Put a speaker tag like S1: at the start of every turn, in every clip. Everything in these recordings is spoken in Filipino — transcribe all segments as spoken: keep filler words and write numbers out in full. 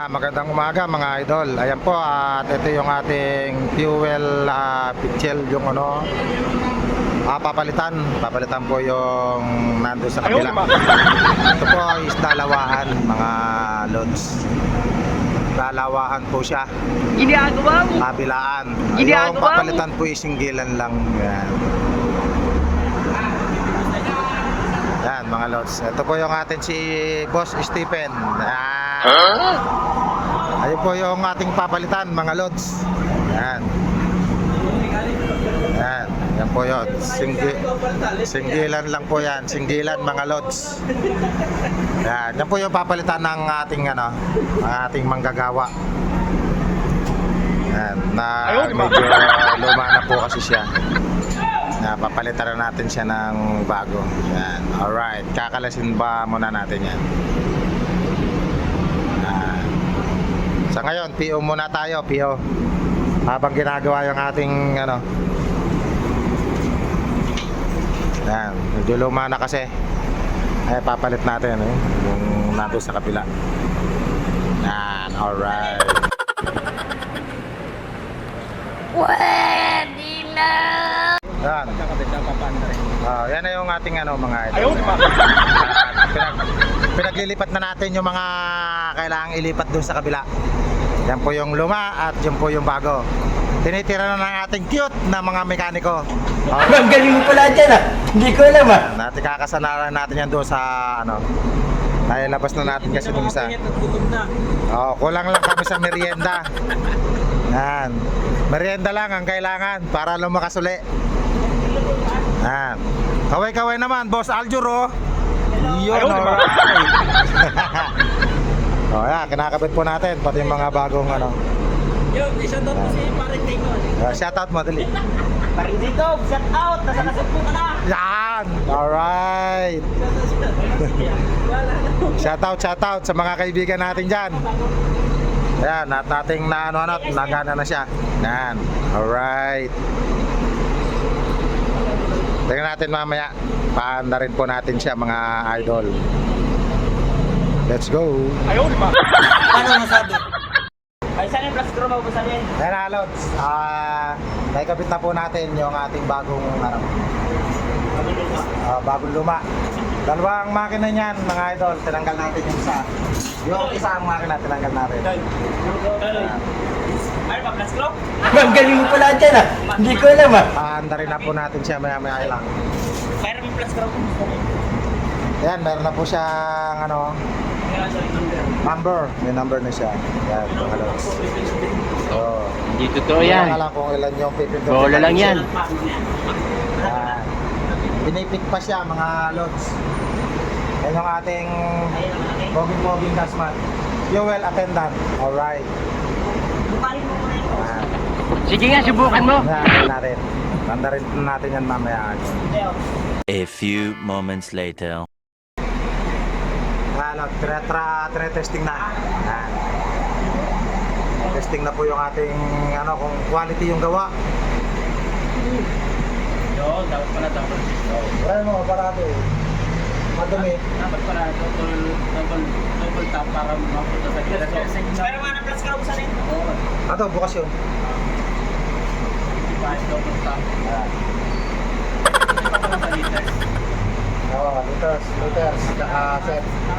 S1: Ah, magandang umaga mga idol. Ayan po at ito yung ating fuel uh, pitchel yung ano ah, papalitan. Papalitan po yung nando sa kabila. Ito po is dalawahan mga loads. Dalawahan po siya.
S2: Ginagawa mo.
S1: Kabilaan. Yung
S2: Ginagawa mo.
S1: papalitan po is singgilan lang. Yan. Yan mga loads. Ito po yung atin si Boss Stephen. Ah. Huh? Ayun po yung ating papalitan mga loads. Yan. Yan. Yan po yun. Singgi singgilan lang po yan. Singgilan mga loads. Yan. Yan po yung papalitan ng ating ano, ng ating manggagawa. Yan. Na medyo luma na po kasi siya. Na papalitan na natin siya ng bago. Yan. Alright. Kakalasin ba muna natin yan. Yan. Sa ngayon, P O muna tayo. P O. Habang ginagawa yung ating ano. Yan. Medyo luma na kasi. Ay, papalit natin. Eh, yung nandun sa kapila. Yan. Alright.
S2: Pwede na.
S1: Yan. Oh, yan na yung ating ano mga idol.
S2: Ayun pa.
S1: Uh, pinag, pinaglilipat na natin yung mga kailangang ilipat doon sa kabila. Yan po yung luma at yan po yung bago. Tinitira na ng ating cute na mga mekaniko. Oh,
S3: Ang galing mo pala dyan ah. Hindi ko alam ah.
S1: natin kakasanaran natin yan doon sa ano. Ay, labas na natin kasi yung isa. Oh, kulang lang kami sa merienda. Yan. Merienda lang ang kailangan para lumakas uli. Yan. Kaway-kaway naman, Boss Aljuro. Yun, alright. Oh, yan, kinakabit po natin pati yung mga bagong ano.
S2: Yo, shoutout mo si Paring Tito.
S1: Uh, shout out mo, dali.
S2: Paring Tito, shout out. Nasa nasip mo ka na.
S1: Yan! Alright! Shout out, shout out sa mga kaibigan natin dyan. Ayan, at ating na ano ano, nagana na siya. Yan. Alright. Tingnan natin mamaya. Paanda rin po natin siya mga idol. Let's go.
S2: Ayun pa.
S3: Paano masabi?
S2: Ay, saan yung plus crew mo sa rin?
S1: Ayan na, Lods. Ah, naikabit na po natin yung ating bagong ano, ah, bagong luma. Dalawang makina niyan, mga idol. Tinanggal natin yung isa. Yung isang makina, tinanggal natin.
S2: Ay, pa plus crew?
S3: Ang galing mo pala dyan ah. Hindi ko alam ah.
S1: Paanda rin na po natin siya maya-maya lang.
S2: Mayroon yung plus crew.
S1: Ayan, meron na po siyang ano, number. May number na siya. Yan, mga lods. So,
S4: Hindi totoo
S1: hindi
S4: yan.
S1: ko alam kung ilan yung pipindutin.
S4: Bola lang yan.
S1: Yan. Pinipit pa siya, mga lods. Yan yung ating boging-boging gasman. Fuel attendant. Alright. Yan.
S4: Sige nga, subukan mo.
S1: Yan natin. Tanda rin natin yan mamaya.
S5: A few moments later.
S1: Ano, tra-tra, tra-testing na. Yan. Testing na po yung ating ano, kung quality yung gawa.
S2: Yo, dapat pala dapat.
S1: Wala mo, parado eh. Madumi.
S2: Dapat pala double double double tap para mapunta sa gilid. Pero mga plus crew sa rin. Oo.
S1: Ato, bukas yun.
S2: Di ba double tap?
S1: Yan.
S2: Ito pa sa liters.
S1: Oo, liters, liters, tsaka set.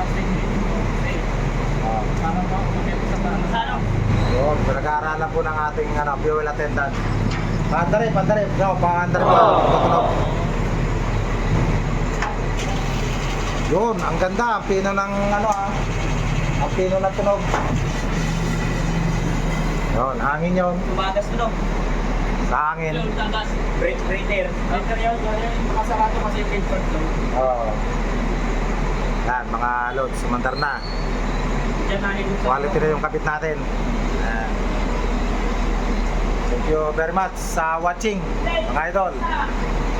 S1: Oh.
S2: Ano ba? Ano?
S1: Yun, pinag-aaralan po ng ating ano, fuel attendant. Pandari, pandari. No, pandari po. Tutunog. Yun, ang ganda. Ang pino ng ano ah. Ang pino ng tunog. Yun, hangin yun.
S2: Tumagas mo, no?
S1: Sa hangin.
S2: Tumagas. Break, breather. Breather yun. Makasarado kasi yung filter to.
S1: Oo. Yan, mga loads, sumandar na.
S2: Diyan na yung
S1: Quality na yung kapit natin. Yan. Thank you very much sa watching, mga idol.